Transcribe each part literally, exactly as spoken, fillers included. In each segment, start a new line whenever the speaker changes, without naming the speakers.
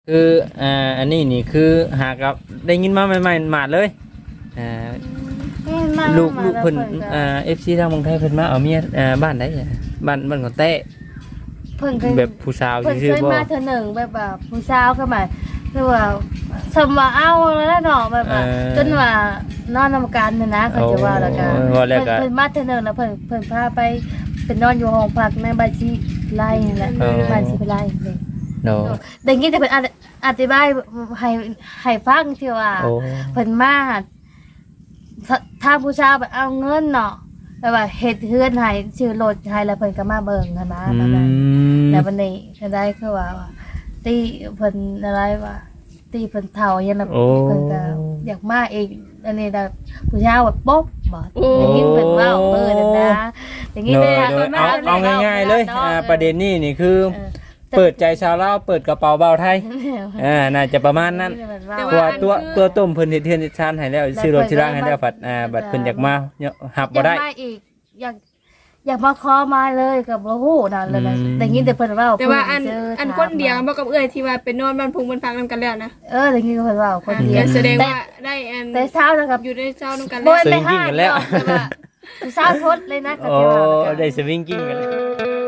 คืออ่าอันนี้นี่คือหากับได้ยินมาใหม่ๆมาเลยอ่าลูกลูกเพิ่นอ่า เอฟ ซี ทางเมืองไทยเพิ่นมาเอาเมียอ่าบ้านใดอ่ะบ้านบ้านของแต้
เพิ่นเคย
แบบผู้สาว
เพิ่นเค
ซื่อยๆบ่
มาเทื่อหนึ่งแบบว่าผู้สาวเข้ามาคือว่าสมว่าเอาแล้วเนาะแบบว่าจนว่านอนนำกันน่ะนะเขาจะว่าแล้วกันเพิ่นเพิ่นมาเทื่อหนึ่งแล้วเพิ่นเพิ่นพาไปเป็นนอนอยู่ห้องพักในบ้านสิไร่นั่นแหละบ้านสิไร่นี่
โน
ได้ยินแต่เพิ่นอธิบายให้ให้ฟังที่ว่าเพิ่นมาทางผู้ชายแบบเอาเงินเนาะแบบว่าเฮ็ดเฮือนให้ชื่อรถให้แล้วเพิ่นก็มาเบิ่งกันนะแบบนั้นแล้ววันนี้ก็ได้คือว่าตีเพิ่นอะไรว่าตีเพิ่นเฒ่ายังแบบเพิ่นก็อยากมาอีกอันนี้แบบผู้ชายแบบป๊บบ่ได้ยินเพิ่นเว้าเออนั่นนะได้ยินแต่
เอาเอาง่ายๆเลยอ่าประเด็นนี้นี่คือเปิดใจชาวลาวเปิดกระเป๋าเบาไทยอ่าน่าจะประมาณนั้นตัวตัวตัวต้มเพิ่นเฮ็ดเฮือนเฮ็ดชานให้แล้วซื้อรถซื้อร่างให้แล้วผัดอ่าบัดเพิ่นอยากมาหับบ่ได้
อยากมาอีกอยากอยากมาขอมาเลยกับบ่ฮู้นั่นเลยนะได้ยินแต่เพิ่นเว้า
แต่ว่าอันอันคนเดียวบ่กับเอื้อยที่ว่าเป็นนอนบ้านพุงบ้านพักนำกันแล้วนะ
เออได้ยินเพิ่นเว้าคนเดียว
แสดงว่าได้อัน
แต่เช้านะครับ
อยู่ในเช้านำกัน
แล้ว
สวิงกิ้งกันแล้ว
เช้าทดเลยนะก็
โอ้
จะว่า
ได้สวิงกิ้งกันแล้ว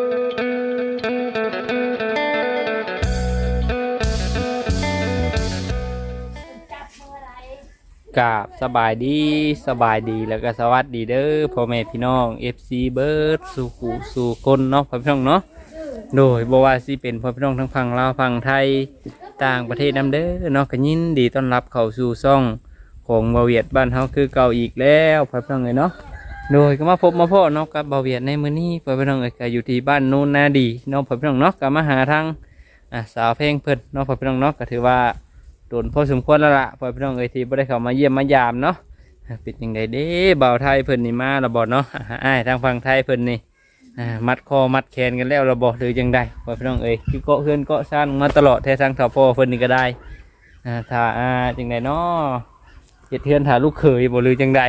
กราบสบายดีสบายดีแล้วก็สวัสดีเด้อพ่อแม่พี่น้อง เอฟ ซี เบิร์ดสู่กูสู่คนเนาะพ่อพี่น้องเนาะโดยบ่ว่าสิเป็นพ่อพี่น้องทั้งฝั่งลาวฝั่งไทยต่างประเทศนำเด้อเนาะก็ยินดีต้อนรับเข้าสู่ช่องของบ่าวเวียดบ้านเฮาคือเก่าอีกแล้วพ่อพี่น้องเอ้ยเนาะโดยก็มาพบมาพ่อเนาะกับบ่าวเวียดในมื้อนี้พ่อพี่น้องเอ้ยก็อยู่ที่บ้านโนนนาดีเนาะพ่อพี่น้องเนาะก็มาหาทางอ่าสาวเพลงเพิ่นเนาะพ่อพี่น้องเนาะก็ถือว่าโดนพอสมควรแล้วล่ะพ่อพี่น้องเอ้ยที่บ่ได้เข้ามาเยี่ยมมายามเนาะเป็นยังไงเด้บ่าวไทยเพิ่นนี่มาแล้วบ่เนาะอ้ายทางฝั่งไทยเพิ่นนี่มัดคอมัดแขนกันแล้วเราบ่หรือจังไดพ่อพี่น้องเอ้ยคือเกาะเฮือนเกาะซ่านมาตลอดแท้ทางเฒ่าพ่อเพิ่นนี่ก็ได้อ่าถ้าอ่าจังไดเนาะเฮ็ดเฮือนถ้าลูกเขยบ่หรือจังได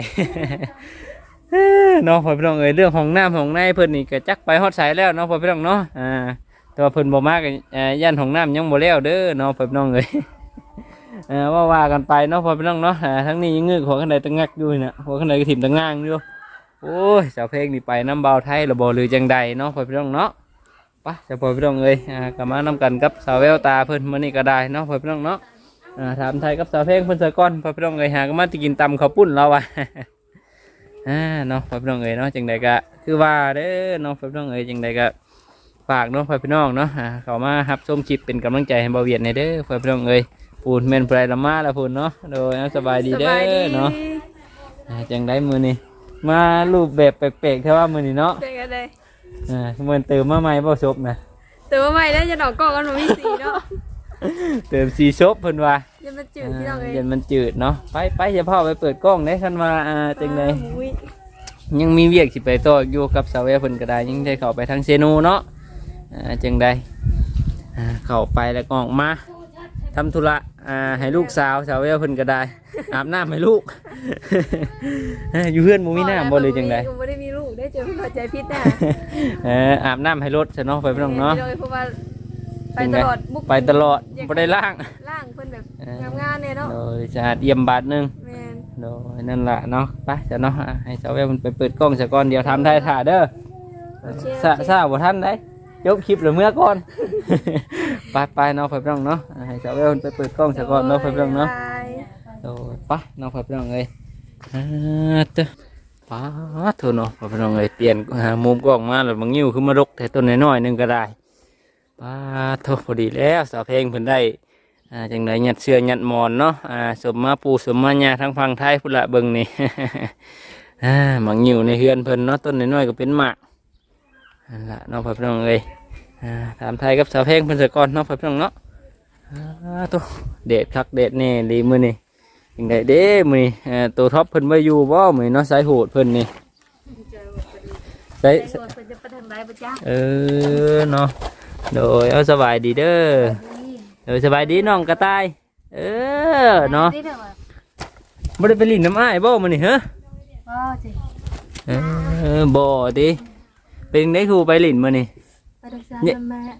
เนาะพ่อพี่น้องเอ้ยเรื่องของน้ำของในเพิ่นนี่ก็จักไปฮอดไสแล้วเนาะพ่อพี่น้องเนาะอ่าแต่ว่าเพิ่นบ่มาก็อ่าย่านของน้ำยังบ่แล้วเด้อเนาะพ่อพี่น้องเอ้ยเออว่าว่ากันไปเนาะพอพี่น้องเนาะทั้งนี้ยังเงือกหัวข้างในตะงักอยู่นะหัวข้างในก็ถิ่มตะง่างอยู่โอ้ยสาวเพลงนี่ไปน้ำเบาไทยระบอหรือจังใดเนาะพอพี่น้องเนาะปะจะพอพี่น้องเอ้ยอ่ากลับมาน้ำกันกับสาวแววตาเพิ่นมื้อนี้ก็ได้เนาะพอพี่น้องเนาะอ่าถามไทยกับสาวเพลงเพิ่นเสยก้อนพอพี่น้องเอ้ยหาก็มาติกินตำข้าวปุ้นเราอ่ะ อ่าเนาะพอพี่น้องเอ้ยเนาะจังใดก็คือว่าเด้อเนาะพอพี่น้องเอ้ยจังใดก็ฝากเนาะพอพี่น้องเนาะอ่าเข้ามารับชมคลิปเป็นกำลังใจให้เบาเวียดในเด้อพอพี่น้องเอ้ยพูนเมนไพรละมาละพูนเนาะโดยสบายดีเด้อเนาะจังได้มือนี่มารูปแบบแปลกๆแค่ว่ามือนี่เนาะ
เป็นกันเลย
อ่าเหมือนเติมมาใหม่บ่ซบนะ
เติมมาใหม่แล้วจะดอกกอกกันมันมีสีเนาะ
เติมสีซบเพิ่นว่า
ยันมันจืดที่เราเลย
ยันมันจืดเนาะไปไปจะพ่อไปเปิดกล้องได้คันว่าอ่าจังไดยังมีเวียกสิไปต่ออยู่กับสาวแววเพิ่นก็ได้ยังได้เข้าไปทางเซโนเนาะอ่าจังไดอ่าเข้าไปแล้วก็ออกมาทำธุระอ่าให้ลูกสาวสาวเวลเพิ่นก็ได้อาบน้ำให้ลูก อยู่เพื่อนมูมีน้ำบ่เลยจังได
บ่ได้มีลูกได้เจอเข้าใจผิดน่ะ
เอออาบน้ำให้รถซะเนาะไปพี่น้องเนาะ
ไปตลอด
ไปตลอดบ่ได้ล้าง
ล้างเพิ่นแบบงามๆเนี่ยเนาะ
โดยสะอาดเยี่ยมบาทนึง
แม่น
โดยนั่นล่ะเนาะไปซะเนาะให้สาวเวลมันไปเปิดกล้องซะก่อนเดี๋ยวทำไทยถ่าเด้อซะซะบ่ทันได้ยกคลิปหรือเมื่อก่อนไปไปเนาะไปพี่น้องเนาะให้สาวเวลไปเปิดกล้องซะก่อนเนาะไปพี่น้องเนาะโอ้ไปเนาะไปพี่น้องเอ้ยอ่าเด้อป้าเถอะเนาะไปพี่น้องเอ้ยเปลี่ยนมุมกล้องมาแล้วบางนิ้วขึ้นมารกแต่ต้นน้อยๆนึงก็ได้ป้าเถอะพอดีแล้วสาวเพลงเพิ่นได้อ่าจังได๋ยัดเสื้อยัดหมอนเนาะอ่าสมมาปูสมมาหญ้าทั้งฝั่งไทยพุ่นละเบิ่งนี่ อ่าบางนิ้วในเฮือนเพิ่นเนาะต้นน้อยๆก็เป็นหมากนั่นล่ะเนาะพี่น้องเอ้ยถามไทยกับสาวเพลงเพิ่นสะก่อนเนาะพี่น้องเนาะตัวเด็ดคักเด็ดแน่ดีมื้อนี้ยังไงเด้มื้อนี้ตัวท็อปเพิ่นบ่อยู่บ่มื้อเนาะสายโหดเพิ่นนี่สายเออเนาะโดยเอาสบายดีเด้อเออสบายดีน้องกระต่ายเออเนาะบ่ได้ไปลิ้นน้ำอ้ายบ่มื้อนี้ฮะ
บ่จิ
เออบ่ติเป็นได้ครูไปลิ้นมื้อนี้
ไปรักษาแม่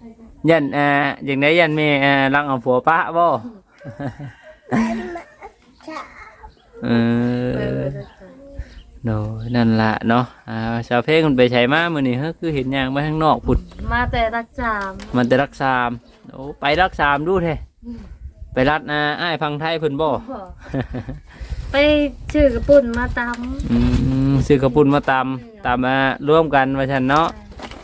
ยันอ่าอย่างไดยันแม่อ่ารังเอาผัวปะบ่เออโนนั่นล่ะเนาะอ่าชาวเพลงมันไปใช้มามื้อนี้เฮ้อคือเห็นหยังมาข้างนอกพุ่น
มาแต่รักษา
มันแต่รักษามโอ้ไปรักษามดูแท้ไปรัดอ่าอ้ายฟังไทยเพิ่นบ่
ไปชื่อกระปุ่นมาต
อืมซื้อกระปุ่นมาตำตำมาร่วมกันว่าฉันเนาะ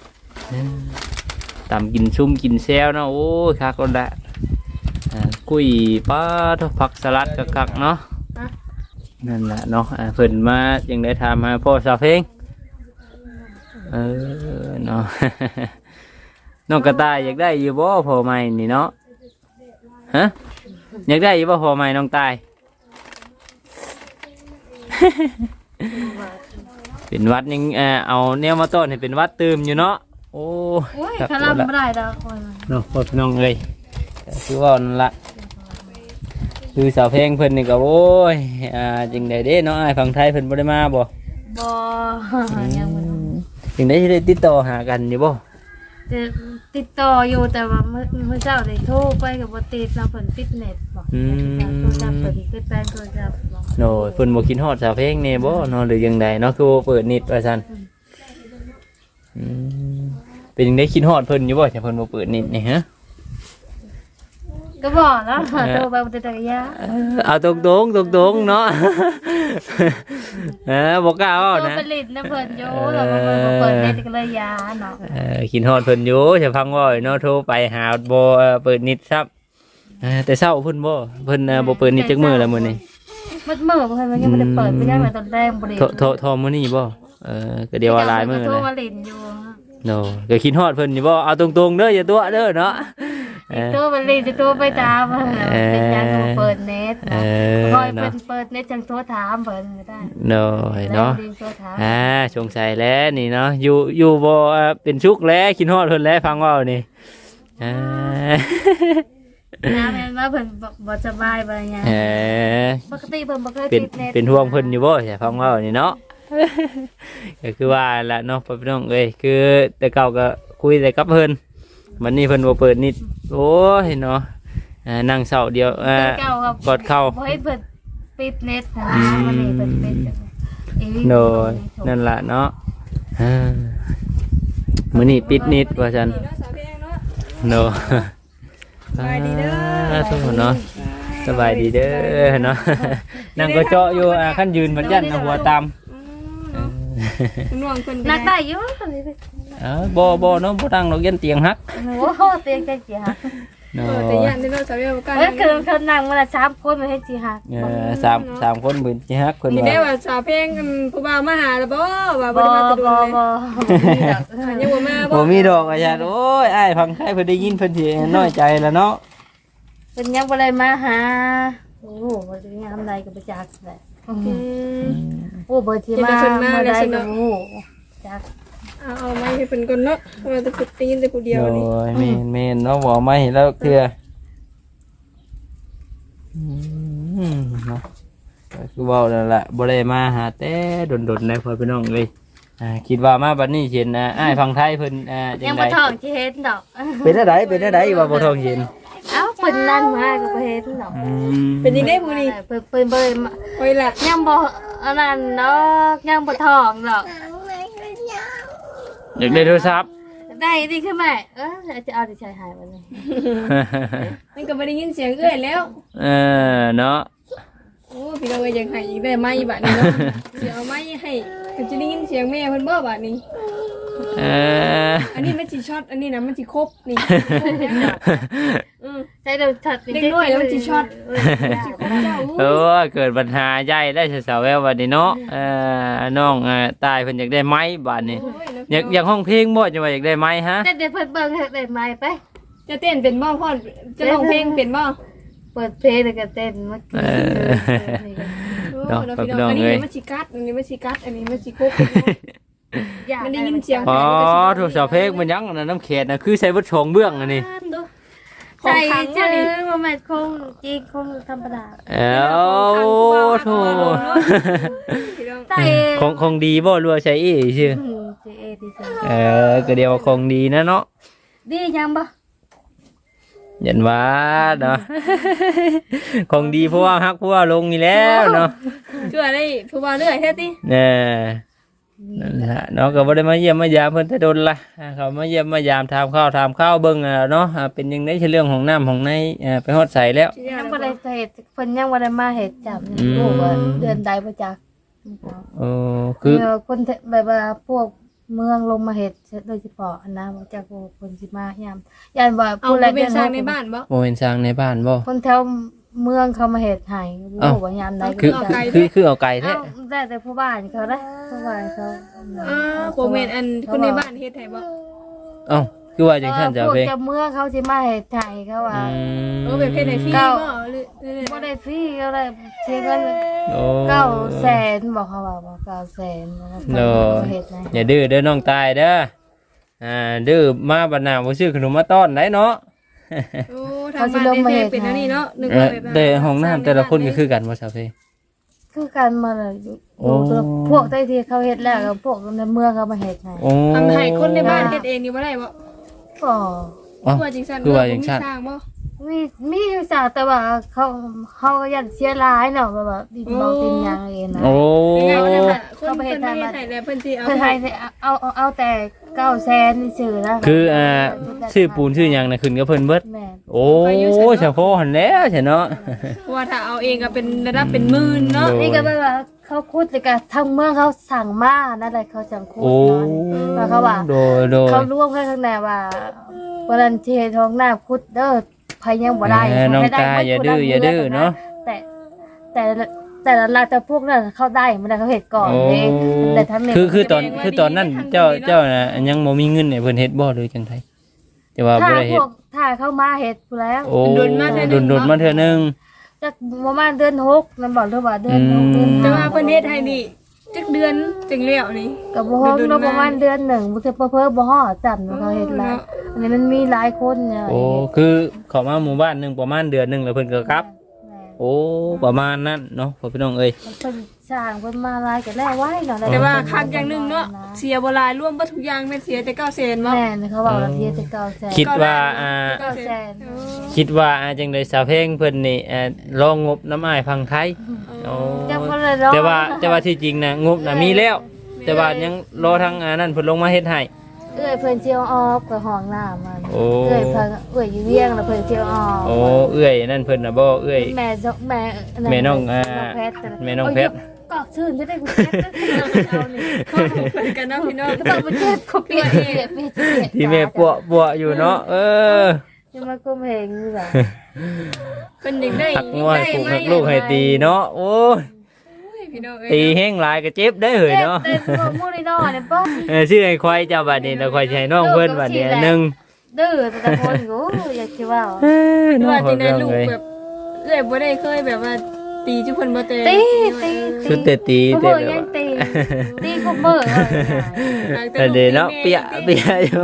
ตำกินชุ่มกินแซวเนาะโอ้ยคักคนละอ่ากุ้ยปลาทอดผักสลัดกักๆเนาะนั่นแหละเนาะอ่าเพิ่นมายังได้ทำมาพ่อสาวเพลงเออเนาะ น้องกระต่ายอยากได้อยู่บ่พ่อใหม่นี่เนาะฮะอยากได้อยู่บ่พ่อใหม่น้องตาย เป็นวัดยังเออเอาแนวมาต้นให้เป็นวัดเติมอยู่เนาะโอ้
ำโอ้ยคาราไม่ได้ดอกคน
เนาะพ่อพี่น้องเอ้ยคือว่านั่นละคือสาวเพลงเพิ่นนี่ก็โอ้ยอ่าจริงได้เด้เนาะอ้ายฝั่งไทยเพิ่นบ่ได้มาบ่
บ่ยังบ่
จริงได้สิได้ติดต่อหากันอยู่บ่
จะติดต่ออยู่แต่ว่าเมื่อเมื่อเช้าได้โทรไปกับบ่ติดแล้วเพิ่นปิดเน็ตบอกโทรศัพท์เพิ่นปิดแปลงโทรศัพท์บอก
โน่เพิ่นบ่คิดฮอดสาวเพลงแน่บ่เนาะหรือยังไดเนาะคือบ่เปิดนิดว่าซั่นอืมเป็นจังได๋คิดฮอดเพิ่นอยู่บ่ถ้าเพิ่นบ่เปิดนิดนี่ฮะ
ก็บอกแล้วโทรไปบ่ติดตะกะยา
เอาตรงตรงตรงตรงๆเนาะ เออบอกกล้าเอา
โทร
นะ
ไปลิ้นนะเพิ่นอยู่แล้วมันบ่เปิดเน็ตก็เลยยาเนาะ
เออกินฮอดเพิ่นอยู่จะพังว่าเนาะโทรไปหาบ่เอ่อเปิดนิดครับเออแต่เช้าเพิ่นบ่เพิ่นเอ่อบ่เปิดนิดจักมื้อแล้วมื้อนี้
มืดมื้อเพิ่นมันยังบ่ได้เปิดไปยังมาตอนแรกบ่ได้
โทรโทรโทรมื้อนี้บ่เออก็เดี๋ยวว่าหลายมื้อ
โทร
นะ
มาลิ้นอยู่
โนก็คิดฮอดเพิ่นอยู่บ่เอาตรงๆเด้ออย่าตัวเด้อเนาะเออ
โทรมาลิ้นจะโทรไปตามเป็นยังบ่เปิดเน็ต
เอ
นะ
อ
คอยเปิ
เนาะ
ดเปิดเน็ตจังโทรถามเพิ่นก็ได้
โนเนาะ
ได้โทรถาม
อ่าสงสัยแล้วนี่เนาะอยู่อยู่บ่เอ่อเป็นชุกแล้วคิดฮอดเพิ่นแล้วฟังเว้านี่อ่า
น้าแม่นว่าเพิ่นบ่บ่สบายบ่หยัง
เออ
ปกติเพิ่นบ่เคย
เป็น
ติดเน็ต
เป็นห่วงเพิ่นอยู่บ่ใช่ฟังเว้านี่เนาะ ก็คือว่าละเนาะพ่อพี่น้องเอ้ยคือแต่เก่าก็คุยแต่กับเพิ่นวันนี้เพิ่นบ่เปิดนิดโอ้ยเนาะอ่านั่งเศร้าเดียวอ่า
แต่เก่าครับ
กอดเข้า
บ่ให้เพิ่นปิดเน็ตนะวันนี้เพิ่นปิดจังอีหลี
โดยนั่นล่ะเนาะอ่ามื้อนี้ปิดนิดว่าซั่น
นี่เนาะสาวเพลงเนาะ
เนาะ
สบายดีเด้อ
ทุกคนเนาะสบายดีเด้อเนาะนั่งก็เจาะอยู่อ่าคันยืนบัดยันเอาหัวตาม
อืมเนาะคุณน้องเพิ่น
นักได้อยู่ตอนนี้
เออบ่บ่เนาะบ่ตั้งดอกยันเตียงหัก
โอ้โหเตียงจังสิฮัก
เนา
เออแต่ย่านเด้อเนาะสาวเพลงบ่กล้า
เอ้ย
นั่ง
คือเขานั่งมาละสามคนมาให้สิฮัก
เออสามสามคนบืนสิฮักเพิ่น
นี่ได้
ว่า
ว่าสาวเพลงกันผู้บ่าวมาหาแล้วบ่ว่าบ่
บ่
ได้มาแตะดุ
บ่
เลย
บ่
ยังบ่มาบ่
บ่มีดอกอาจารย์โอ้ยอ้ายฟังใครเพิ่นได้ยินเพิ่นสิน้อยใจแล้วเนาะ
เพิ่นยังบ่ได้มาหาโอ้โหบ่ได้ยามใดก็บ่จักแหละ
อืม
โอ้เบ่ที่มาเมื่อใดก็บ่ฮู้จัก
เอาเอาไม้ให้เพิ่นก่อนเนาะเพราะว่าจะฝึกได้ยินแต่ผู้เดียว
โอ้
นี่
ยแม่นแม่นเนาะบ่มาเห็นแล้วเทื่ออืมเนาะก็คือเว้านั่นแหละบ่ได้มาหาแต่ดนๆได้พ่อพี่น้องเอ้ยอ่าคิดว่ามาบัดนี้เห็นอ่าอ้ายฟังไทยเพิ่นอ่าจั
ยัง
ง
บ่
ได๋
ท้องที่เห็นดอก
เป็นจังไดเป็นจังไดว่าบ่ท้องเห็น
เอ้าเพิ่นนั่งมาก็บ่เห็นดอก
อืม
เป็นยังได้ผู้นี้
เพิ่นเพิ่นเบิ่น
โอ้ยล่ะ
ยังบ่อันนั้นดอกยังบ่ท้องดอก
อยากได้โทรศัพท์
ได้ดีขึ้นไหมเออจะเอาดิฉันหายวันนี้
มันก็บ่ได้ยินเสียงเอื้อยแล้ว
เออเนาะ
โอ้พี่น้องเอ้ยยังให้อีกได้ไม้บัดนี้เนาะสิเอาไม้ให้ก็จะได้ยินเสียงแม่เพิ่นบ่บัดนี้
เออ
อันนี้มันสิช็อตอันนี้นะมันสิครบนี่อือ
ใช้เดี๋ยวถัด
เด็กน้อยแล้วมันสิช็อต สิครบเจ้า
เออเกิดปัญหาใหญ่ได้สาวๆแววบัดนี้เนาะเออน้องอ่าตายเพิ่นอยากได้ไม้บัดนี้อยากอยากห้องเพลงบ่จังว่าอยากได้ไม้ฮะ
แต่เดี๋ยวเพิ่นเบิ่งให้ได้ไหมไป
จะเต้นเป็นบ่พ่อจะร้องเพลงเป็นบ่
เปิดเพลงแล้วก็เต้นเมื่อกี้
โอ้แล้วพี่น้องอันนี้มันสิกัดอันนี้มันสิกัดอันนี้มันสิครบมันได้ยินเสียง
อ๋อโทรศัพท์เพลงมันยังอันนั้นน้ำเขตน่ะคือใช้บ่ชงเบื้องอันนี้
ใส่ชื่อว่ามันคงจริงคงธรรมดา
เอ้าโธ่
ใส่
คงคงดีบ่รัวาใช้อีชื่อ
เจเอดีจัง
เออก็เดียวว่าคงดีนะเนาะ
ดียังบ่
ยันว่าเนาะ ของดีเพราะว่าฮักเพราะว่าลงนี่แล้วเนาะ
ช่วยได้ผู้ว่าเรื่อยแท้ติ
แน่นั่นแหละเนาะก็บ่ได้มาเยี่ยมมายามเพิ่นแต่โดนละอ่าเขามาเยี่ยมมายามถามข้าวถามข้าวเบิ่งอ่ะเนาะอ่าเป็นยังไงใช่เรื่องของน้ำของในอ่าไปฮอดใส่แล้ว
ยังบ่ได้เฮ็ดเพิ่นยังบ่ได้มาเฮ็ดจับนี่รู้ว่าเดือนใดบ่จัก
โอ้คือ
เออคนที่แบบว่าพวกเมืองลงมาเฮ็ดโดยเฉพาะอันนะบ่จักว่าคนสิมายามย่านว่า
เอา
ผู้
ไป
ใด
เป็นสร้างในบ้านบ่
บ่เป็นสร้างในบ้านบ่
คนแถวเมืองเขามาเฮ็ดให้บ่รู้ว่ายามใด
คือ
ก็
ไกล
คือคือเอาไก่แท้
เอ้าได้แต่ผู้บ้านเขานะผู้บ้านเขา
อ่าบ่แม่นอันคนในบ้านเฮ็ดให้บ่
เอ้าคือว่าจังซั่นจ้ะ
พวก
เพ่
เจ้าเมืองเขาสิมาเฮ็ดให้เขาว่า
อืม
เออแบบเฮ็ดให้ฟรีบ่หรือหรือ
บ่ได้ฟรีก็ได้เสียเงิน
โอ้
เก้าแสนบอกเขาว่าบอกเก้าแสนแล้ว
โน่
ก็เฮ็ดให้
อย่าดื้อเด้อน้องตายเด้ออ่าดื้อมาบัดหน้าบ่ซื้อขนมมาต้อนได้เนาะ
โอ้ทางบ้านได้เป็นอันนี้เนาะนึก
เอ
ว่า
อ
แบบ
แต่ห้องน้ำแต่ละคนก็คือกันบ่ซะเพ่
คือการมาเลยอยู่
โอ้
พวกใต้ที่เขาเฮ็ดแล้วกับพวกในเมืองเขามาเฮ็ดให้
โอ้
ทำให้คนในบ้านเฮ็ดเองนี่บ่ได้บ่
ก็
อ๋อ
ว่าจังซั่น
คือว่าจังซั่น
มีสร้างบ่
มีมีอยู่จ้ะแต่ว่าเขาเขาก็ยันเสียหลายเนาะแบบว่าดินเบาดินยางเองนะ
โอ้
ยังไงบ่ได้ค่ะคนเพิ่นมาเฮ็ดให้แล้วเพิ่นสิเอา
เพิ่นให้เอาเอาเอาแต่เก้าแสนนี่ซื่อนะ
คืออ่าชื่อปูนชื่อหยังน่ะขึ้นกับเพิ่นเบิด
แม่น
โอ้เฉพาะหั่นแล้วใช่เนาะ
เพราะว่าถ้าเอาเองก็เป็นระดับเป็นหมื่นเนาะ
โอ้
นี่ก็แบบว่าเขาคุดเลยก็ทางเมืองเขาสั่งมานั่นแหละเขาสั่งคุด
โอ้
เนาะว่าเขาว่า
โดยโดย
เขาร่วมกันข้างในว่าวันนั้นที่ท้องหน้าคุดเด้อพายยังบ่ได้
เออน้อง
ให้ได้
ตา
หมด
อย่าดื้อ
คนละ
อย่าดื้อเนาะ
แต่แต่ละแต่ละราแต่พวกนั้นเข้าได้มันได้เขาเฮ็ดก่อน
โอ้
เด้แต่ทำเนี่ย
คือคือตอนคือตอนนั้นเจ้าเจ้าน่ะยังบ่มีเงินให้เพิ่นเฮ็ดบ่หรือจังไดแต่ว่า
ถ้า
บ่ได้
พ
เฮ็ด
วกถ้าเข้ามาเฮ็ดพู้นแล้ว
โอ้โดนโดนมาเทื่อนึง
จักประมาณเดือนหกนั่นบอกเด้อว่าเดือนหก
อื
เดือน
ม
แต่ว่าเพิ่นเฮ็ดให้นี่จักเดือนจังแล้วนี่
ก็บ่ฮอด
เดือน
เนาะ
มา
ประมาณเดือนหนึ่งบ่เพิ่นบ่ฮอดจันเขาเฮ็ดแล้วอันนี้มันมีหลายคนเนี่ย
โอ้คือเข้ามาหมู่บ้านหนึงประมาณเดือนหนึงแล้วเพิ่นก็กลับ
แม่
โอ้ประมาณนั้นเนาะพ่อพี่น้องเอ้ย
เพิ่นสร้างเพิ่นมาหลายก็แล้วไว้เนาะ
แต่ว่าคักอย่างหนึงเนาะเสียบ่หลายรวมบ่ทุกอย่างแม่นเสียแต่เก้าแสนบ่
แม่นเขาบอกว่าเทียจะเก้าแสน
คิดว่าอ่า
เก้าแสน
คิดว่าอาจังได๋สาวเพลงเพิ่นนี่เอ่อรองงบน้ำอ้ายพังไทยโอ้
ยังบ่ได้รอ
แต่ว่าแต่ว่าที่จริงนะงบน่ะมีแล้ว แต่ว่ายังรอทางอ่านั่นเพิ่นลงมาเฮ็ดให้
เอ้ยเพิ่นเจียวออกกับห้องน้ำมัน
โอ้
เอ้ยเพิ่นเอ้ยอยู่เวียงแล้วเพิ่นเจียวออก
โอ้เอื้อยนั่นเพิ่นน่ะบ่เอื้อย
แม่จกแม่
แม่น้องอ่า
แพทย์
แม่น้องแพทย์
กอกชื่นจะได้กูเจ็บเอานี่
ข้อมูลเพิ่นกันเนาะพี่น้อง
ก็ต้องไปเจ็บเขาเปลี่ยนเปลี่ยนเปลี่ยนเปลี่ยน
ที่แม่ปัวปัวอยู่เนาะเออ
จะมากุมเหงอยู่ล่ะ
เพิ่นยังได้
หัก
ยัง
งวย
ได้
ผูก
ไหม
หักลูกให้ตีเนาะโอ้ย
พี่น้องเอ้
ตี
ย
แห้งหลายก็เจ็บได้เหยเนาะ
เต็มตัวมูนี่นอเนี่ยป้อ
เออชื่อไอ้ควายเจ้าบัดนี้แล้วควายสิให้น้องเพิ่นบัดนี้หนึง
ดื้อแต่คนกูอยากจะว่า
เออ
หรือ
น้อง
ว่า
เพิ่
จั
น
งได๋ลูก
เอ้ย
แบบเอ้ยบ่ได้เคยแบบว่าตีจุเพิ่นบ่เตะ
ตีตี
สุดแต่ตี
เขา
แต่
บอก
แล้
ยั
ว
งตีตีเขาเบิก
แต่เดี๋ยวเนาะเปียเปียอยู่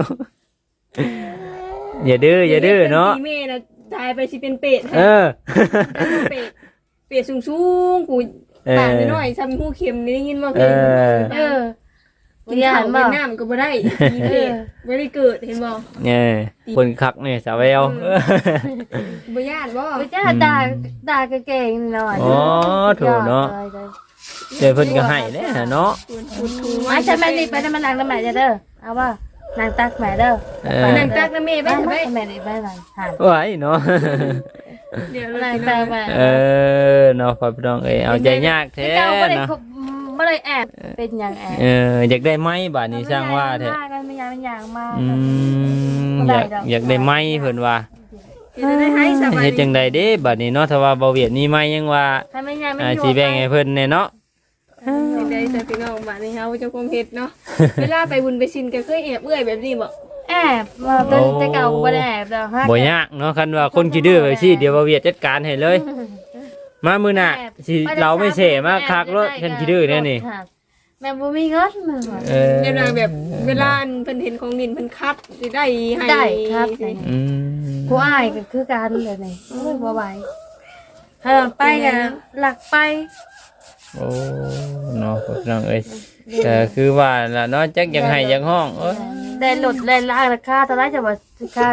อย่าดื้ออย่าดื้อเนาะ
ตีแม่น่ะตายไปสิเป็นเป็ด
เออ
เป็ดเป็ดสูงๆกู
เออ
ปากน้อยๆซ้ำหูเข็มนี่ได้ยินบ่เค
เอย อ
เออ
กินข้าวกินน้ำก็บ่ได้มีเป็ดบ่ได้เกิดเห็นบ่
เนี่ยคนคักเนี่ยสาวแวว
บ่ย่านบ่
ไม่ใช่ด่าด่าเก่งหน่อย
อ๋อถูกเนาะเดี๋ยวเพิ่นก็ให้เด้อเนาะ
ปูนทู
ไม่ใช่แม่นี่ไปนั่นมันนางน้ำแม่เด้อเอาว่านางตักแม่เด้อ
เออ
นั่งตักน้ำแม่ไป
ไป
ทำไม
แม่นี่ไปหลังหัน
ไหวเนาะ
เดี๋ยวเรา
นาง
สิ
ตัก
เนาะ
แม่
เออเนาะพ่อพี่น้องเอ้ยเอาใจยากแท้
เจ้าไม่ได้
เนาะ
ไม่ได้แอบเป็นอย่างแอบ
เอออยากได้ไม้บาดนี้สร้างว่าแท้
ไม่ยางไม่ยางมาก
อืมอยากอยากได้ไม้เพิ่นว่า
เดี๋ยวจะได้ให้สบาย
เฮ็ดจังไดเด้บัดนี้เนาะถ้าว่าบ่เวียดมีไม้ยังว่า
ถ้าไม่ยางไม่
อ่า
อยู่
สิแบ่งให้เพิ่นแน่เนาะ
จังได้ใส่พี่น้องบ้านนี้เฮาเจ้าคงเฮ็ดเนาะเวลาไปบุญไปชินก็เคยแอบเอื้อยแบบนี้บ่
แอบมาเป็นแต่เก่าไม่ได้แอบแล้วฮะ
บ่ยากเนาะคันว่าคนขี้ดื้อไปสิเดี๋ยวบ่เวียดจัดการให้เลย มามื้อหน้าสิเราไม่เสมาคักรถคันขี้ดื้อแน่นี่
แม่บ่มีเงินมึง
เออ
เวลาแบบเวลาเพิ่นเห็นของดินเพิ่นคัดสิได้ให้
ได้ครับ
อืม
ผู้อ้ายก็คือการเลยนี่โอ้ยบ่ไหวเออไปกันหลักไป
โอ้เนาะพี่น้องเอ้ยก็คือว่าล่ะเนาะจักอยากให้อยากห้องเอ้ย
ได้หลดได้ล่างราคาเท่าไรจะว่าค่า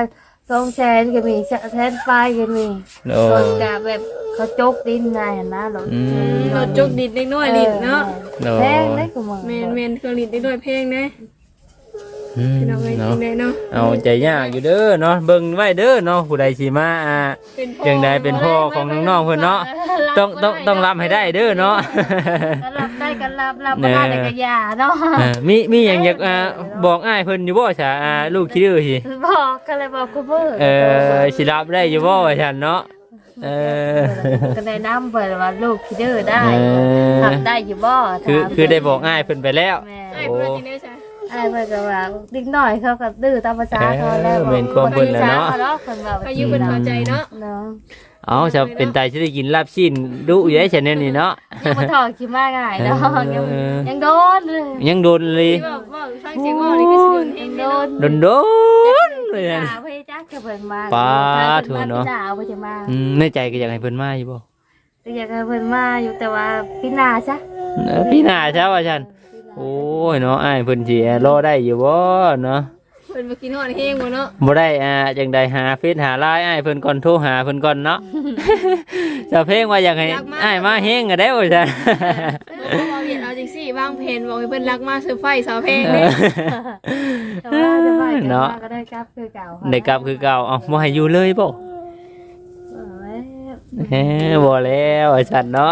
สองแสนก็มีแสนปลายก็มี
โด
ร
ย
ถกะแบบเขาจกดินได้นะรถ
อืม
รถจุกดิดเล็กน้อยลิ้นเนาะ
โดย
แพงได้กูมึง
แม่นแม่นเครื่องลิ้นเล็กน้อยเพลงนะ
อืม
พี่น้องเอ้ย
เนาะ
จริงเลยเนาะ
เอาใจยากอยู่เด้อเนาะเบิ่งไว้เด้อเนาะผู้ใดสิมาอ่า
เป็นพ่อ
จังใดเป็นพ่อของน้องๆเพิ่นเนาะต้องต้องต้องรับให้ได้เด้อเนาะ
ก็รับได้ก็รับรับบ่ได้แต่ก็อย่าเนาะ
เออมีมีหยังอยากอ่าบอกอ้ายเพิ่นอยู่บ่ซะอ่าลูกขี้ดื้อสิ
บอกก็เลยบอกกูเพิ่น
เออสิรับได้อยู่บ่ว่าซั่นเนาะเออ
ก็ได้นำเพิ่นว่าลูกคิดดื้อได้
เออ
ทำได้อยู่บ่
คือคือได้บอกอ้ายเพิ่นไปแล้ว
แม่
ไอ้เพื่อนจริงได้ใช่
อ้ายเพิ่นก็ว่าเด็กน้อยเขาก็ดื้อตามภาษาเขาแล้ว
เออเป็นความเพิ่นแหละเนาะ
เนาะเพิ่นว่า
อายุเป็นเข้าใจเนาะ
เนาะ
เอาจะเป็นตายสิได้กินลาบชิ้นดุอยู่ได้ฉันแน่นี่เนาะ
ยังมาถอดคิดมาง่ายเนาะยัง
เออ
ยังโดนเลย
ยังโดนเลย
ที่บอกว่าฟังเสียงว่านี่คือสิโดนเอง
โด
เนาะ
น
โดนโดนเลยนะ
ด่าเพิ่นจักจะเพิ่นมา
ปา
เพิ่น
ถู
มา
เนาะ
ด่าเพิ่นจะมา
อืมในใจก็อยากให้เพิ่นมาอยู่บ่
ก็อยากให้เพิ่นมาอยู่แต่ว่าพี่นาซะ
เออพี่หน้าเช้าว่าฉันโอ้ยเนาะอ้ายเพิ่นสิรอได้อยู่บ่เนาะ
เพิ่นมากินฮอดเฮงบ่เนาะ
บ่ได้อ่าจังใดหาเฟซหาไลน์อ้ายเพิ่นก่อนโทรหาเพิ่นก่อนเนาะ จะเพลงว่าอยากให้อ้ายมาเฮงก็ได้ว่าซั่น
เราเห็นเอาจังซี่วางเพนบอกให้เพิ่นรักมาเซอร์ไพรส์สาวเพลงเด้
แต่ว่าจะไปกัน
เนาะ
มาก็ได้กลับคือเก่าค่ะ
ได้กลับคือเก่าเอ้าบ่ให้อยู่เลยบ่
เออ
เฮ้บ่แล้วว่าซั่นเนาะ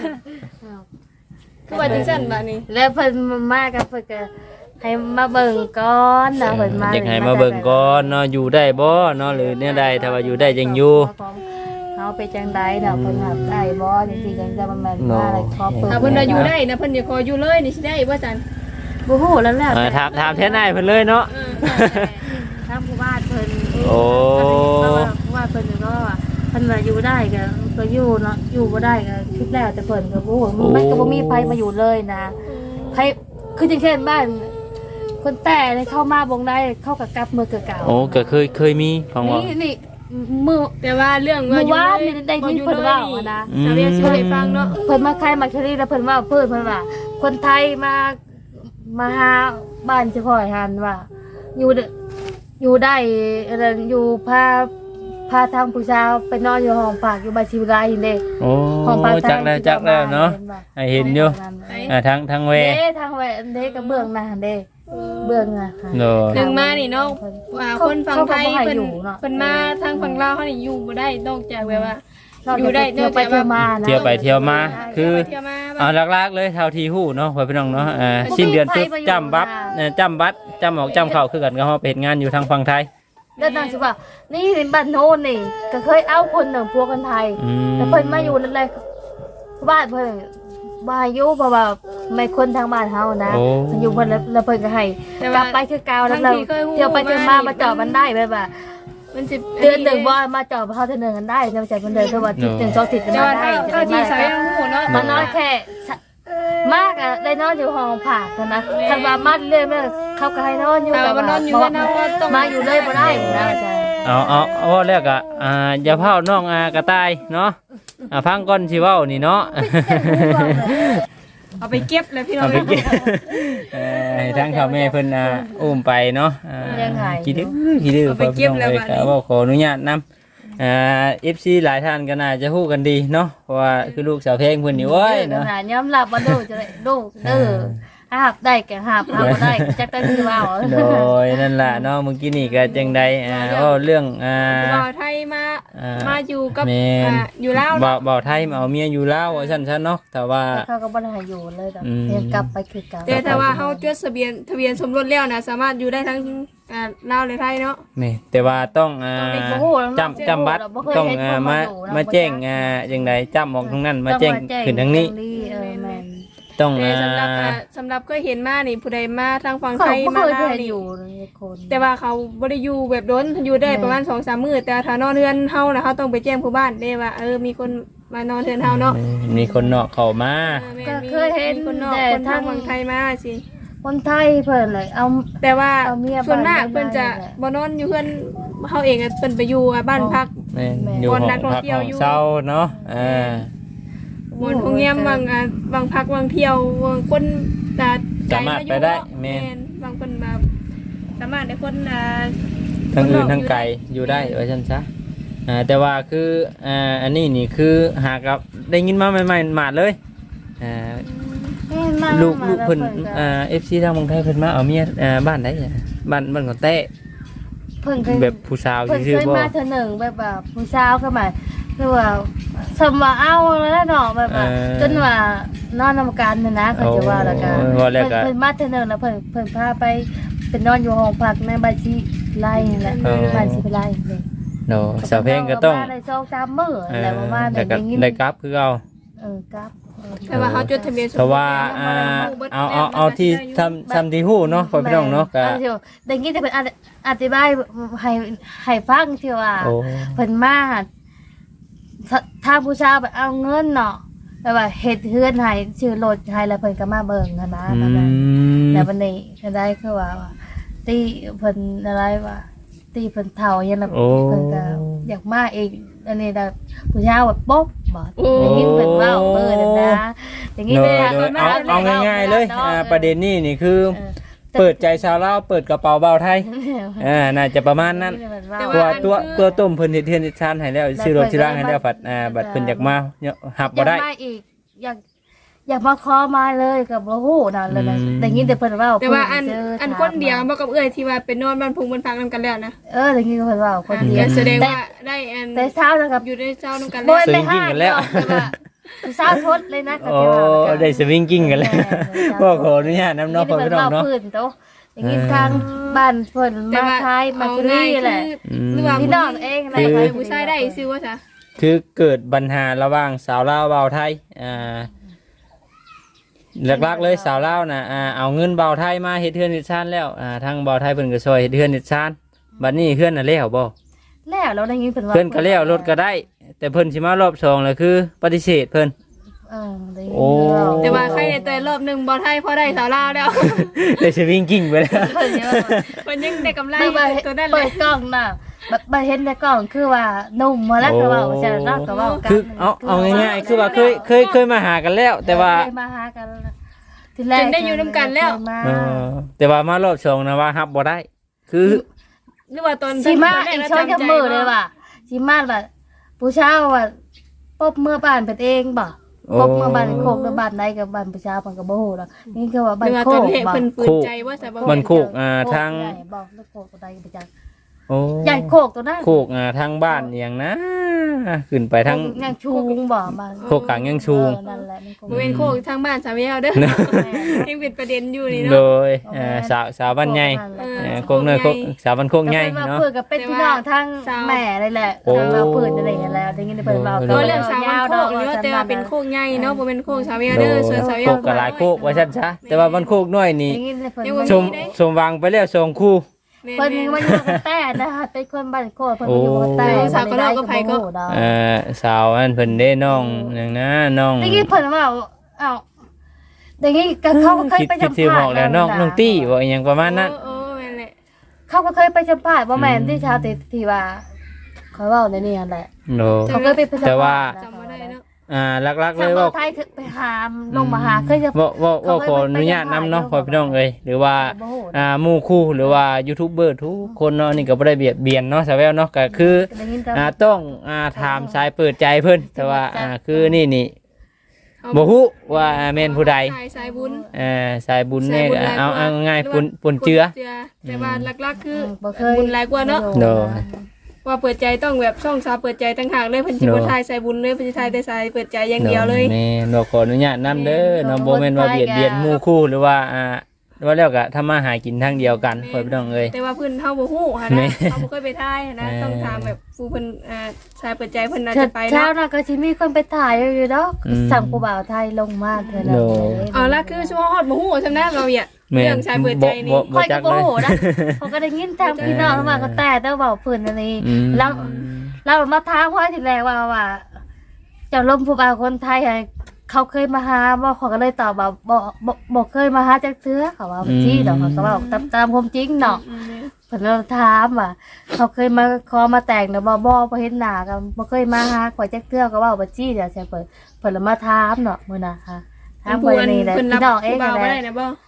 คือว่าจังซั่นบัดนี้
แล้วเพิ่นมากับเพิ่นก็ให้มาเบิ่งก่อนนะเพิ่นมา
อยากให้มาเบิ่งก่อนเนาะอยู่ได้บ่เนาะหรือเนี่ยใดถ้าว่าอยู่ได้จังอยู่
เฮาไปจังไดเนาะเพิ่นหับได้บ่จังซี่จังจะมันแม่นมาอะไรขอเปิด
ถ้าเพิ่นว่าอยู่ได้นะเพิ่นอย่าขออยู่เลยนี่สิได้บ่จัน
บ่ฮู้แล้วแหละ
เออถามถามแทนนายเพิ่นเลยเนาะ
เออ
ทางผู้บ้านเพิ่น
โอ้
ผู้บ้านเพิ่นก็ว่าเพิ่นว่าอยู่ได้ก็ก็อยู่เนาะอยู่บ่ได้ก็คิดแล้วแต่เพิ่นก็บ่ฮู้มันก็บ่มีไผมาอยู่เลยนะไผคือจังเช่นบ้าน คนแต่เลยเข้ามาบงได้เข้ากับกลับมือเก่าๆ
โอ้ก็เคยเคยมีของว่า
นี่นี่มือ
แต่ว่าเรื่อง
เมื่อ
อยู่
วาน
เลย
นี่ได้ยิน
บ่อยู่
เพิ่น
เลย
ว่า
นี่
ว่านะ
สาวเรียกสิให้ฟังเนาะ
เพิ่นมาใครมาเชอรี่แล้วเพิ่นว่าเพิ่นเพิ่นว่า คนไทยมามาหาบ้านเฉพาะหันว่า อยู่เด้ออยู่ได้อะไรอยู่พาพาทางผู้ชายไปนอนอยู่ห้องพักอยู่บ้านชิวไรเด้
โอ้
ห้องพัก
จักแล้วจักแล้วเนาะให้เห็นอยู่อ่าทางทางเว
เด้ทางเวเด้กับเบื้องหน้าเด้เบื้องหน้าค่ะ
โดย
หนึ่งมานี่เนาะว่าคนฝั่งไทย
เขาก็บ่ให้
เพิ่น
อยู่เนาะ
เพิ่นมาทางฝั่งลาวเฮานี่อยู่บ่ได้นอกจากแบบว่า
เรา
อยู่ได้
เที่ยวไปเที่ยวมานะ
เที่ยวไปเที่ยวมาคือ
เที่ยวมา
เอาหลักๆเลยเท่าที่ฮู้เนาะพ่อพี่น้องเนาะอ่าสิ้นเดือนปุ๊บจำบัตรเอ่อจำบัตรจำออกจำเข้าคือกันก็เฮาไปเฮ็ดงานอยู่ทางฝั่งไทย
เดินทางสิว่านี่บ้านโน้นนี่ก็เคยเอาคนหนึ่งพวกคนไทย
อืม
แต่เพิ่นมาอยู่นั่นแหละบ้านเพิ่นบ่ให้อยู่เพราะว่าไม่คนทางบ้านเฮานะ
โอ้
เพิ่นอยู่เพิ่นแล้วแล้วเพิ่นก็ให้
แต่
กลั
ว่า
บไปคือเก่าแล้ว
ทั้
เรา
งที่เคยฮู้
เที่ยวไปเที่ยวมามาจอดมันได้แบบว่า
มันสิ
เดือนหนึ่งบ่มาจอดเฮาเทื่อหนึงกันได้จะมาจ่ายเพิ่นเดินคือว่าทิศหนึ่งสองทิศกัน
แต่
มา
ว่า
ได้
เท่า
จะ
เท่า
ได้
ที่
มา
สาวยังฮู้เนาะ
มันน้อยแค่สะมากอะได้นอนอยู่ห้องผักนะคันว่ามาเรื่อยๆเขาก็ให้นอนอยู่
แต่ว่าบ่นอนอยู่แล้วเนาะว่าต้อง
มาอยู่เลยบ่ได้นะอาจารย์
เอาเอาเอาว่าแล้วก็อ่าอย่าเผาน้องอากระต่ายเนาะอ่าฟังก่อนสิเว้านี่เนาะ
เอาไปเก็บเลยพี่น้อ
เอา
ง
ไปเก็บเอ่อให้ทางพ่อแม่เพิ่นอ่าอุ้มไปเนาะอ่าขี้ดื้อขี้ดื้อพ่อพี่น้องเอ้ยก็เว้าขออนุญาตนำอ่า เอฟ ซี หลายท่านก็น่าจะฮู้กันดีเนาะเพราะว่าคือลูกสาวเพลงเพิ่นนี่โว้ย
เนาะ
เนาะ
ยอมรับว่าดูจะได้ดูเด้อหาบได้ก็หาบหาบ่ได้จักได้คือว่า
โดยนั่นล่ะเนาะเมื่อกี้นี่ก็จังใดอ่าเว้าเรื่องอ่า
บ่าวไทยมา
อ่า
มาอยู่กับ
แม่น
อ่าอยู่ลาว
บ่า
เนาะ
บ่าวไทยมาเอาเมียอยู่ลาวว่าซั่นซะเนาะแต่ว่า
เขาก็บ่ได้ให้อยู่เลยดอก
อืม
ยังกลับไปคือเก่า
แต่ถ้าว่าเฮาจดทะเบียนทะเบียนสมรสแล้วนะสามารถอยู่ได้ทั้งอ่าลาวและไทยเนาะ
แม่แต่ว่าต้องอ่า
บ่ฮู้แล้ว
จำจำบัตรต้องอ่ามามาแจ้งอ่าจังใดจำออกตรงนั้นมาแจ้งขึ้นทางนี้
เออแม่น
ต้อง
แต่
อ่า
สำหรับอ่าสำหรับเคยเห็นมานี่ผู้ใดมาทางฝั่ง
เขา
ไทย
บ่
มา
เคย
ลาว
ไป
นี่
อยู่เลยคน
แต่ว่าเขาบ่ได้อยู่แบบโดนอยู่ได้ประมาณ สองสาม มื้อแต่ถ้านอนเฮือนเฮานะเฮาต้องไปแจ้งผู้บ้านเด้ว่าเออมีคนมานอนเฮือนเฮาเนาะ
มีคนนอกเข้ามา
ออแม่
ก็
มี
เคยเห็น
มีคนนอก
แต่
คนทาง
ทาง
ฝั่งไทยมาสิ
คนไทยเพิ่นเลยเอา
แต่ว่า
เอาเมีย
ส่วนมาก
บ้าน
เพิ่นจะ
บ้าน
บ่นอนอยู่เฮือนเฮาเองอะเพิ่นไปอยู่อ่ะบ้านพัก
แม่น
แม่
อยู่
คน
ห้อง
นักท่อง
พัก
เที่ยว
ห้อง
อยู่
เศร้าเนาะอ่า
บนพงเงียมบางอ่ะบางพักบางเที่ยวบางคนจะ
สามารถไปได้แม่
แม่
น
นบางคนมาสามารถได้คนอ่า
ททั้งอื่นทั้งไกลอยู่ได้ว่าซั่นซะอ่าแต่ว่าคืออ่าอันนี้นี่คือหากับได้ยินมาใหม่ๆหมาดเลยอ่า
แม่นมา
ลูก
มา
ลูก
แล้ว
เพิ่น
ก็
อ่า เอฟ ซี ทางเมืองไทยเพิ่นมาเอาเมียอ่าบ้านใดอ่ะบ้านบ้านของแต้
เพิ่นเคย
แบบผู้สาว
เพิ่น
ซื่อ
เคย
ๆบ่
มาเธอหนึ่งแบบว่าผู้สาวก็มาคือว่าสมว่าเอาแล้วเนาะแบบว่าจนว่านอนนำกันน่ะนะเขาจะว่าแล้วกัน
โอ้ว่าแล้วก็
เพิ่นมาเธอหนึ่งแล้วเพิ่นเพิ่นพาไปเป็นนอนอยู่ห้องพักในบ้านสิไล่นั่นแหละบ้านสิไล่นี่
โนสาวเพลงก็ต้อง
มาได้สองสามมื้อ
เออ
แล้วประมาณ
แต่ก็
ได้ยิน
ได้กลับคือเอา
เออครับ
แต่ว่าเขาจดทะเบียนสมรส
เพราะว่าอ่าเอาเอาเอาที่ทำทำที่ฮู้เนาะพ่อพี่น้องเนาะก็
ออได้ยินแต่เพิ่นอธิอธิบายให้ให้ฟังที่ว่า
โอ้
เพิ่นมาถ้าผู้ชายไปเอาเงินเนาะแบบว่าเฮ็ดเฮือนให้ชื่อรถให้แล้วเพิ่นก็มาเบิ่งนะนะ
อื
แบบนั้น
ม
แล้ววันนี้ก็ได้คือว่าว่าตีเพิ่นอะไรว่าตีเพิ่นเฒ่าอย่างนั้น
โอ้
เพิ่นก็อยากมาอีกอันนี้แบบผู้ชายว่าป๊บบ่
โอ้
ได้ยินเพิ่นเว้าเบิ่นนะอย่างนี้
โด
เลย ย
โดยเอาเอาง่ายๆเลยอ่าประเด็นนี้นี่คือ
เออ
เปิดใจชาวลาวเปิดกระเป๋าเบาไทยอ่าน่าจะประมาณนั้น
แต่
เพราะ
ว่า
ว่าตัวตัวต้มเพิ่นเฮ็ดเทือนเฮ็ดชานให้แล้วซื้อรถชื่อร่างให้แล้วบัดอ่าบัดเพิ่นอยากมาเนี่ยหับ
อ
บ่
ยาก
ได้
มาอีกอยากอยากมาขอมาเลยกับบ่ฮู้นั่นเลยนะ
อืม
ได้ยินแต่เพิ่นเว้า
แต่ว่าอัน
เพิ่เจ
อัน
ถาม
คนเดียว
มา
บ่กับเอื้อยที่ว่าเป็นนอนบ้านพุงบ้านพักนำกันแล้วนะ
เออได้ยินเพิ่นเว้าคนเดียว
แสดง
แต่
ว่าได้อัน
แต่เช้านะครับ
อยู่ในเจ้านำกัน
บ่
แล้ว
ได้
สวิงกิ้งกันแล้ว
แต่ว่าผู้สาวทดเลยนะก็
โอ้
จะว่า
ได้สวิงกิ้งกันแล้วบ่ขออนุญาตนำเนาะพ่อพี่น้องเนาะ
พิ่นโตได้ยินทางบ้านเพิ่น
แต่
มา
ว่า
คายมาคิรีแหละ
หรือว่า
พี่น้องเองอะไร
คือ
ไป
ผู้ชายได้ซื้อว่าซะ
คือเกิดปัญหาระหว่างสาวลาวเบาไทยอ่าหลักๆเลยสาวลาวน่ะอ่าเอาเงินเบาไทยมาเฮ็ดเฮือนเฮ็ดชานแล้วอ่าทางเบาไทยเพิ่นก็ช่วยเฮ็ดเฮือนเฮ็ดชานบัดนี้เฮือนน่ะแล้วบ่
แล้วเราได้ยินเพิ่นว่า
เพิ่นก็แล้วรถก็ได้ แต่เพิ่นสิมารอบสองเลยคือ ปฏิเสธเพิ่น
เออได้ยิน
โอ้
เว้
แต่ว่าใครในแต่รอบหนึงบ่ไทยพอได้สาวลาวแล้ว
ได้สวิงกิ้งไปแล้ว
เพิ่นเยอะ
เพิ่นยังได้กำไร
ไม่ว่า
ตัวนั้นเล
เปิ
ย
ดกล้องน่ะแบบมาเห็นในกล้องคือว่านุ่มมาแล้วก็เว่าจะรักก็เว่ากัน
คือเอาเอาง่ายๆคือว่าเคยเคยเคยมาหากันแล้ว แต่ว่า
เคยมาหากันทีแรก
จนได้อยู่นำกันแล้ว
เคยมา
เออแต่ว่ามารอบสองนะว่ารับบ่ได้ คือ
หรือว่าตอน
ชิมา
ตนแร
อีก
นะ
ช้อน
จำ
กับ
ใจ
มือเลยว่ะชิมาแบบผู้เช่าว่าปบเมื่อบ้านเป็นเองบ่ปบเมื่อบ้านโคกแล้วบ้านใดกับบ้านผู้เช่าเพิ่นก็บ่ฮู้ดอกนี่คือว่า
ห
บ้า
รื
น
อว่า
โค
ตอน
ก
แรก
บ่
เพิ่นฝืนใจว่าซะบ่
มันโคกอ่าทาง
ใหญ่บอกแล้วโคกตัวใดไปจัก
โอ้
ใหญ่โคกตัวนั้น
โคกอ่าทางบ้านอหย่างนะขึ้นไปทาง
ยังชูงบ่บ้าน
โคกกลางยังชูง
เออนั่นแหละมันโคก
บ่เป็นโคกทางบ้านสาวเยาวเด้อยังเป็นประเด็นอยู่นี่
โด
เนาะ
ยเอ่อสาวสาวบ้านใหญ่
เออ
เอ่อโคกเนยโคกสาวบ้านโคกใหญ่
ก็เป็นว่า
เนาะ
เพื่อนกับเป็นพี่น้องทั้งแม่เลยแหละ
โอ้
ทางเราเพื่อนอะไรอย่างเงี้ยแล้วได้ยินเพิ่นเว้า
โอ้
ก็เรื่องสาวบ้านโคกนี่ว่าแต่ว่าเป็นโคกใหญ่เนาะบ่เป็นโคกสาวเยาวเด้อส่วนสาวเยา
โค
ว
กกับหลายโคกว่าซั่นซะแต่ว่าบ้านโคกน้อยนี่
ได้ยินเพิ่น
ยัง
ว่า
บ่
ชมชมวางไปแล้วสองคู่
เพิ่นว่าอยู่กับแต่นะคะเป็นคนบ้านโคกเพิ่นอยู่กับแต่
สาวก็เล่าก็ไผก็
เอ่อสาวอันเพิ่นได้น้องอย่างนะน้อง
ได้ยินเพิ่นว่าเอ้าได้ยินก็เขาก็เคย
คิด
ไป
คิด
สัม
ชื่อ
ภา
บ
ษ
อก
ณ์
แล้วน้องน้องตี้บ่อหยังประมาณนั้น
เออแม่นแหละ
เขาก็เคยไปสัมภาษณ์บ่แม่นที่ชาวติที่ว่าเขาเว้าในนี้นั่นแหละ
โน
เขาเคยไปสัมภาษณ์
แต่ว่า
จำบ่ได้เนาะ
อ่าหลักๆเล
ทาง
ย
เมื
ว่า
องไทยคือไปหามลงมาหาเคยจะ
ว่าว่าว่าขออนุญาตนำเนาะพ่อพี่น้องเอ้ยหรือว่าอ่าหมู่คู่หรือว่ายูทูบเบอร์ทุกคนเนาะนี่ก็บ่ได้เบียดเบียนเนาะสาวแววเนาะก็คือ
ได้ยินแต่
อ่าต้องอ่าถามสายเปิดใจเพิ่นแต่ว่าอ่าคือนี่นี่บ่ฮู้ว่าแม่นผู้ใด
สายสายบุญ
เอ่อสายบุญเนี่ย
สายบุญหลายกว่า
เอาเอาง่ายๆปุ่นปุ่นเจือ
แต่ว่าหลักๆคือ
บ่เคย
บุญหลายกว่าเนาะ
โดย
ว่าเปิดใจต้องแบบช่องสาวเปิดใจต่างหากเลยเพิ่นสิบ่ทายสายบุญเลยเพิ่นสิทายแต่สายเปิดใจอย่างเดียวเลย
แม่นบ่ขออนุญาตนำเด้อเนาะบ่แม่นว่าเบียดเบียนหมู่คู่หรือว่าอ่าว่าแล้วก็ทำมาหากินทางเดียวกันพ่อพี่น้องเอ้ย
แต่ว่าเพิ่นเฮาบ่ฮู้หัน
แม่
นะเฮาบ่เคยไปทายหั้นนะ
แม่
ต้องถามแบบผู้เพิ่นอ่าสายเปิดใจเพิ่นน่า
เช้า
จะไป
เช้า
เนาะ
น่ะก็สิมีคนไปถ่ายอยู่ดอก
อืม
สั่งผู้บ่าวไทยลงมาเท่านั้น
โด
เลย
เอาละคือชั่วฮอดบ่ฮู้ซำนั้นเราเนี่ย
แม่น
เรื่องสายเปิดใจนี่
บ่บ่
ค่อย
จั
ก็
ก
บ่
เลย
ฮู้นะเขาก็ได้ยินทางพี่น้องเข้ามาก็แต่แต่เว้าเพิ่นอันนี้
อืม
แล้วเรามาถามว่าทีแรกว่าว่าเจ้าลมผู้บ่าวคนไทยอะเขาเคยมาหาบ่เขาก็เลยตอบว่าบ่บ่บ่เคยมาหาจักเทื่อเขาว่าบ่จี้ดอกเขาก็เว้าตามตามความจริงเนาะ
อืม
เพิ่นเราถามว่าเขาเคยมาขอมาแต่งแต่บ่บ่บ่เห็นหน้ากันบ่เคยมาหาข่อยจักเทื่อก็เว้าบ่จี้เดี๋ยวใช่เพิ่นเพิ่นละมาถามเนาะมื้อน่ะค่ะถาม
ผู้
เพิ่น
อัน
นี่แหละ
เพิ่นรับ
พี่น้องเอง
ผู้บ่าว
นั่น
บ่
แห
ได้
ละ
นะบ่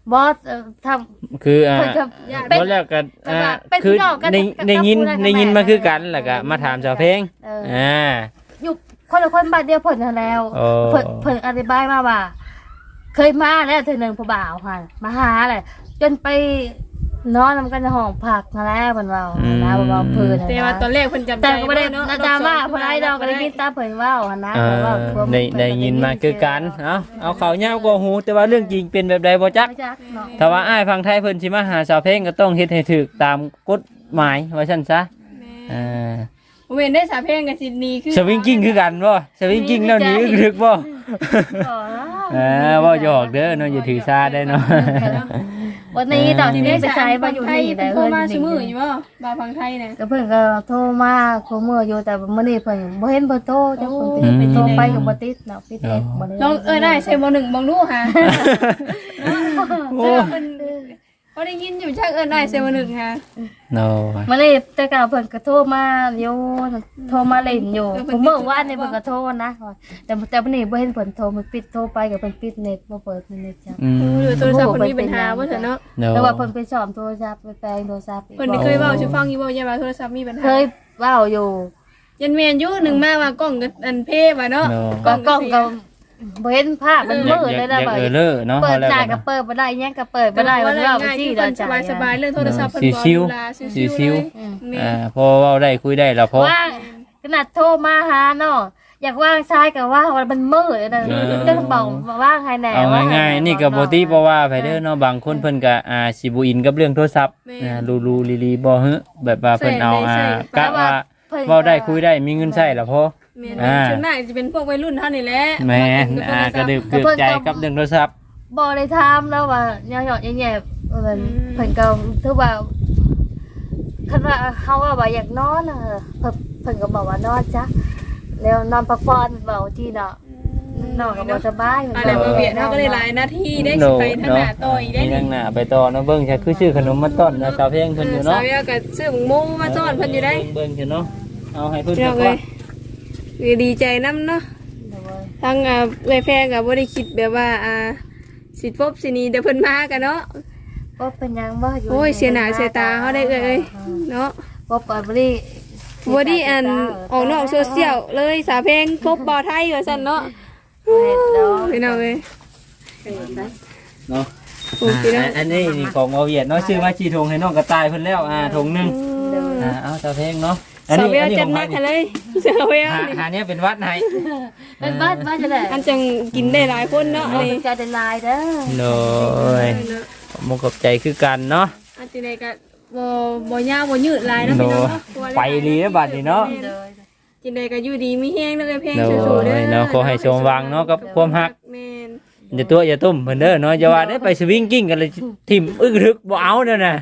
บอสเอ่อทำ
คืออ่า
เพิ่นก็
บ่แล้วก็อ่า
เป็น
คือ
พี่น้องกัน
ใน
กับ
ในยิน
กับ
ในยิน
แม่
มาคือกันแล้วก็มาถามชาวเพลง
เออ
อ่า
อยู่คนละคนบ้านเดียวเพิ่นนั่นแล้ว
โอ้
เพิ่นเพิ่นอธิบายมาว่า เคยมาแล้วเธอหนึ่งผู้บ่าวค่ะมาหาแหละจนไปนอนนำกันในห้องพักนั่นแหละเพิ่นเว้านะเว้าเพิ่น
แต่ว่าตอนแรกเพิ่นจำใจ
แต่ก็บ่ได้
เนาะ
นะดราม่าเพิ่นไอ้ดอกก็ได้ยินตามเพิ่นเว้าหั่นนะ
เอ
เพิ่นเว้า
อ
ความ
ได้
เพิ่
ได้
ก็
ยินมาคือกันเอ้าเอาเขาวยาวกว่าหูแต่ว่าเรื่องจริงเป็นแบบใดบ่จัก
ไม่จักเนาะ
ถ้าว่าอ้ายฟังไทยเพิ่นสิมาหาชาวเพลงก็ต้องเฮ็ดให้ถูกตามกฎหมายว่าซั่นซะ
แม่
อ่า
บ่แม่นได้สาเพลงกับซิดนีคือ
สวิงกิ้งคือกันบ่สวิงกิ้งแล้วหนี้ถึกบ่
อ๋อ
เออบ่หยอกเด้อเนาะอย่าถือซาได้เนาะ
วันนี้ดอกที่
ได้
นี่ไป
สา
ใช้
ย
มา
บา
อยู่
ไทย
นี่
เพิ่
แต่
นโทร
เพิ่น
มา
นี่
ซุมื้ออยู่บ่บาฟังไทยน่ะ
ก็เพิ่นก็โทรมาคุมื้ออยู่แต่มื้อนี้เพิ่นบ่เห็นเพิ่นโทรจักเพิ่นติด
อืม
ไปโทรไปก็บ่ติดเนาะปิดเน็ตบ่ได้
ลองเอ้ยได้ใส่บ่หนึ่งบ่รู้หา
โอ้
เพิ่นบ่ได้ยินอยู่จักเอ้ยได้ใส่บ่หนึ่งหา
โน
มื้อนี้แต่ก็เพิ่นก็โทรมาอยู่โทรมาเล่นอยู่คุมื้อวานนี่เพิ่นก็โทรนะแต่แต่มื้อนี้บ่เห็นเพิ่นโทรมันปิดโทรไปก็เพิ่นปิดเน็ตบ่เปิดเน็ตจ้ะ
อืม
หรือโทรศัพท์เพิ่นมีปัญหาบ่เถอะเนาะ
โน
แต่ว่าเพิ่นไปสอบโทรศัพท์ไปแปลงโทรศัพท์อีก
เพิ่นเคยเว้าสิฟังอยู่บ่อย่าว่าโทรศัพท์มีปัญหา
เคยเว้าอยู่
ยันแม่นอยู่หนึ่งมาว่ากล้องก็อันเพว่าเนาะ
โน
ก็กล้องก็บ่เห็นภาพมัน
อยาก
มืด
อยา
เล
ก
ยนะ
อยาก
บ่
เออเลอเนาะ
เปิด
แล้ว
หน้า
กั
ก็
น
เปิดบ่ได้หยังก็เปิดบ่ได้มันว่าบ่
ง่าย
ซี่
ที่
ด
ค
อน ก
ส
จ้ะ
บายสบายๆเรื่องโทรศัพท์เพิ่นบ่
ชิว
ลา
ๆ
ชิวๆ
ชิว
เลย
อืม
แม่
อ่าพอเว้าได้คุยได้แล้วพอ
ว่างขนาดโทรมาหาเนาะอยากว่างชายก็ว่างว่ามันมืดนะ
เออ
จะบอกว่าว่างให้แหน่
เอา
ว่ให้
ง่าย
แห
ๆนี่ก็บ่ติบ่ว่าไผเด้อเนาะบางคนเพิ่นก็อ่าสิบ่อินกับเรื่องโทรศัพท์อ่าลูๆลีๆบ่ฮึแบบว่าเพิ่นเอาอ่ากะว่าเว้าได้คุยได้มีเงินใช้แล้วพอ
แม่
อ่า
ส่วนมากจะเป็นพวกวัยรุ่นเท่านี้แหละ
แม่นอ่าก็ดึกเดือดใจกับเรื่องโทรศัพท์
บ่ได้ถามแล้วว่าหยอดๆแย่ๆเออเพิ่นก็ถือว่าคันว่าเฮาว่าอยากนอนน่ะเพิ่นเพิ่นก็บอกว่านอนจ้ะแล้วนอนพักผ่อนเบาที่เนาะนอนก็บ่สบาย
อะไรมาเบียดเฮาก็ได้หลายหน้าที่ได้สิไปทางหน้าต่ออีกได้
มี
นี่
ทางหน้าไปต่อเนาะเบิ่งใช่คือชื่อขนมมาต้อนนะสาวเพลงเพิ่นอยู่
สา
เนาะ
วเวียก็ซื้อหมูหมูมาซ่อนเพิ่นอยู่ได้
เบิ่งอยู่เนาะเอาให้เพิ่น
เจ้า
ก่
เอ้
อน
ยคือดีใจนํเนาะทั้งอ่าเอ้ยแพงก็บ่ได้คิดแบบว่าอ่าสิพบสิหนีแต่เพิ่นมากันเนาะ
บ่เป็นหยังบ่อยู่
โอ้ยเสียหน้าเสียตาเฮาได้เอ้ยเนาะ
บ่ปล่อยบ่ได้
บ่ได้อันออกนอกโซเชียลเลยสาวเพลงพบบ่ไทยว่าซั่นเนาะ
เฮ็ดดอก
พี่น้องเอ้ย
เนาะ
โอ้พี่น้อง
อ่าอันนี้นี่ของเอาเวียดเนาะชื่อว่าจีทงให้น้องกระต่ายเพิ่นแล้วอ่าทงหนึงอ่าเอาสาวเพลงเนาะอัน
สาว
นี้
เวีย
อันนี้
จั
ข
ด
อง
หนั
ใคร
กให้
นี่
เลยสาวเวีย
หา
นี่
หาเนี้ยเป็นวัดไหน
เป็นบ้านบ้านจะได้
อันจังกินได้หลายคนเนาะ
เอา
นี่
ใจได้ลายเด้อ
โน้ยมุกกับใจคือกันเนาะ
อันจังไดก็บ่บ่ยาวบ่ยืดหลายเนาะพี่น้องเนาะ
ไปลีแล้วบัดนี้เนาะ
เลย
จังไดก็อยู่ดีมีแฮงเด้อเพลง
โน้
สู้ๆเด้อย
เนาะขอให้ชมวังเนาะกับความฮัก
แม่น
อย่าตัวอย่าตุ้มเพิ่นเด้อเนาะอย่าว่าได้ไปสวิงกิ้งกันเลยทิ่มอึกทึกบ่เอาเด้อน่ะ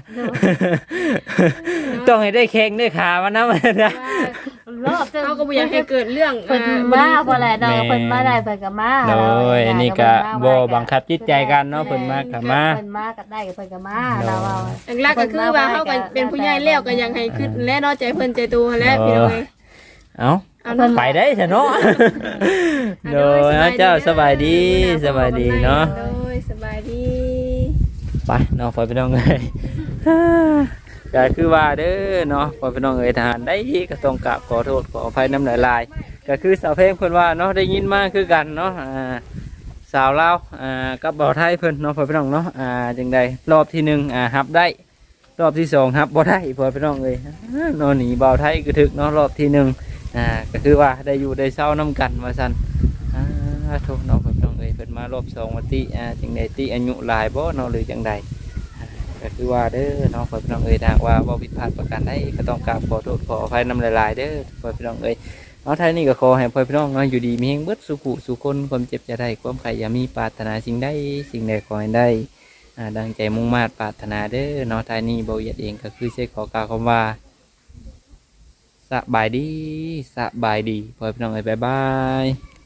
ต้องให้ได้แข้งได้ขามันนะมันนะ
รอบ
เขาก็บ่อยากให้เกิดเรื่อง
เพิ่น
อ่า
มาบ่แหละดอกเพิ่นมาได้เพิ่นก็มา
โอ้ยอันนี้ก็บ่บังคับจิตใจกันเนาะเพิ่นมาก็มา
เพิ่นมาก็ได้เพิ่นก็มาเราเอา
หลักๆก็คือว่าเฮาก็เป็นผู้ใหญ่แล้วก็อยากให้คิดและเนาะใจเพิ่นใจตัวหั้นแหละพี่น้องเอ้ย
เอ้า
เอาเนาะ
ไปได้ซะเนาะโดยเจ้าสบายดีสบายดีเนาะ
โดยสบายดี
ไปเนาะพ่อพี่น้องเอ้ยก็คือว่าเด้อเนาะพ่อพี่น้องเอ้ยทหารได้ก็ต้องกราบขอโทษขออภัยน้ำลายๆก็คือสาวเพลงเพิ่นว่าเนาะได้ยินมาคือกันเนาะอ่าสาวลาวอ่ากับบ่าวไทยเพิ่นเนาะพ่อพี่น้องเนาะอ่าจังใดรอบที่หนึ่งอ่ารับได้รอบที่สองรับบ่ได้พ่อพี่น้องเอ้ยนอนหนีบ่าวไทยก็ถึกเนาะรอบที่หนึ่งอ่าก็คือว่าได้อยู่ได้เศร้าน้ำกันว่าซั่นอ่าโทษเนาะพ่อพี่น้องเอ้ยเพิ่นมารอบสองวันติอ่าจังใดติอายุหลายบ่เนาะหรือจังใด ก็คือว่าเด้อน้องพ่อพี่น้องเอ้ยทางว่าบ่ผิดพลาดประการใดก็ต้องกราบขอโทษขออภัยนำหลายๆเด้อพ่อพี่น้องเอ้ยเอาท้ายนี้ก็ขอให้พ่อพี่น้องเนาะอยู่ดีมีแรงเบิดสุขุสุคนความเจ็บจะได้ความใครอย่ามีปรารถนาสิ่งใดสิ่งใดขอให้ได้อ่าดังใจมุ่งมา่ปรารถนาเด้อเนาะท้ายนี้บ่เหยียดเองก็คือใช้ขอกล่าวคำว่าสบายดีสบายดีพ่อพี่น้องเอ้ยบ๊ายบาย